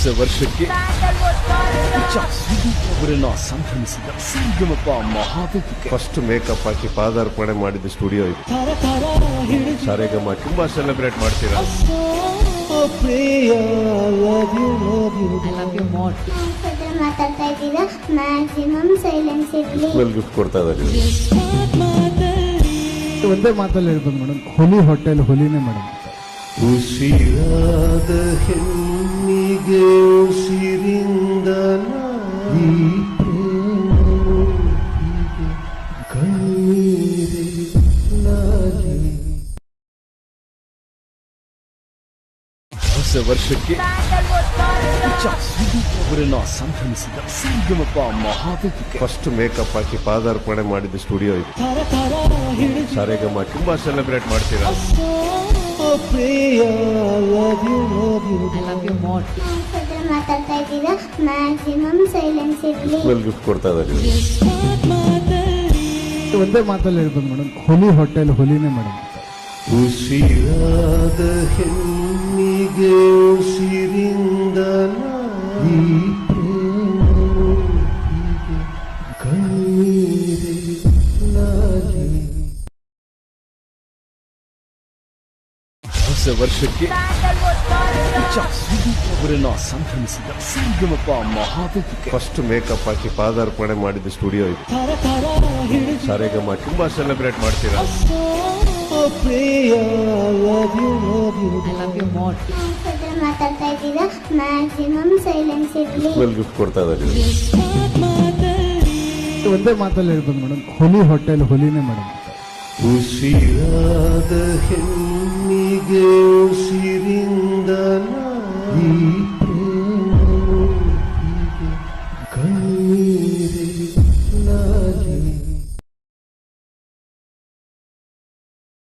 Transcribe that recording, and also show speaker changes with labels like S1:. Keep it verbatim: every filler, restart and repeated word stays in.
S1: ಹೊಸ ವರ್ಷಕ್ಕೆ ಅವರನ್ನ ಸಂಭ್ರಮಿಸಿದ ಸಂಗಮಪ ಮಹಾವೇದಿಕೆ
S2: ಫಸ್ಟ್ ಮೇಕಪ್ ಹಾಕಿ ಪಾದಾರ್ಪಣೆ ಮಾಡಿದ ಸ್ಟುಡಿಯೋ ಇದು. ಸಾರೇಗಮ ತುಂಬಾ ಸೆಲೆಬ್ರೇಟ್ ಮಾಡ್ತೀರಾ.
S3: ಮಾತಾಡ್ತಾ ಇದ್ದೀರಾ, ಮ್ಯಾಕ್ಸಿಮಮ್ ಸೈಲೆನ್ಸ್ ಇರ್ಲಿ.
S2: ಗಿಫ್ಟ್ ಕೊಡ್ತಾ ಇದ್ದಾರೆ.
S4: ಒಂದೇ ಮಾತಲ್ಲಿ ಹೇಳ್ಬೋದು ಮೇಡಮ್, ಹುಲಿ ಹೋಟೆಲ್ ಹುಲಿನೇ ಮೇಡಮ್.
S2: ಉಸಿರಾದ ಹೆಣ್ಣಿಗೆ ಉಸಿರಿಂದ
S1: ಹೊಸ ವರ್ಷಕ್ಕೆ ಅವರನ್ನ ಸಂಭ್ರಮಿಸಿದ ಸಂಗಮಪ ಮಹಾವೇದಿಕೆ
S2: ಫಸ್ಟ್ ಮೇಕಪ್ ಹಾಕಿ ಪಾದಾರ್ಪಣೆ ಮಾಡಿದ ಸ್ಟುಡಿಯೋ ಇದು. ಸಾರೇಗಮ ತುಂಬಾ ಸೆಲೆಬ್ರೇಟ್ ಮಾಡ್ತೀರಾ.
S3: ಮಾತಾಡ್ತಾ ಇದ್ದೀರಾ, ಮ್ಯಾಕ್ಸಿಮಮ್ ಸೈಲೆನ್ಸ್ ಇರ್ಲಿ.
S2: ಗಿಫ್ಟ್ ಕೊಡ್ತಾ ಇದ್ದಾರೆ.
S4: ಒಂದೇ ಮಾತಲ್ಲಿ ಹೇಳ್ಬೋದು ಮೇಡಮ್, ಹುಲಿ ಹೋಟೆಲ್ ಹುಲಿನೇ ಮೇಡಮ್.
S2: ಉಸಿರಾದ ಹೆಣ್ಣಿಗೆ ಉಸಿರಿಂದ
S1: ಹೊಸ ವರ್ಷಕ್ಕೆ ಅವರನ್ನ ಸಂಭ್ರಮಿಸಿದ ಸಂಗಮಪ ಮಹಾವೇದಿಕೆ
S2: ಫಸ್ಟ್ ಮೇಕಪ್ ಹಾಕಿ ಪಾದಾರ್ಪಣೆ ಮಾಡಿದ ಸ್ಟುಡಿಯೋ ಇದು. ಸಾರೇಗಮ ತುಂಬಾ ಸೆಲೆಬ್ರೇಟ್ ಮಾಡ್ತೀರಾ.
S3: ಮಾತಾಡ್ತಾ ಇದ್ದೀರಾ, ಮ್ಯಾಕ್ಸಿಮಮ್ ಸೈಲೆನ್ಸ್ ಇರ್ಲಿ.
S2: ಗಿಫ್ಟ್ ಕೊಡ್ತಾ ಇದ್ದಾರೆ.
S4: ಒಂದೇ ಮಾತಲ್ಲಿ ಹೇಳ್ಬೋದು ಮೇಡಮ್, ಹುಲಿ ಹೋಟೆಲ್ ಹುಲಿನೇ ಮೇಡಮ್.
S2: ಉಸಿರಾದ ಹೆಣ್ಣಿಗೆ ಉಸಿರಿಂದ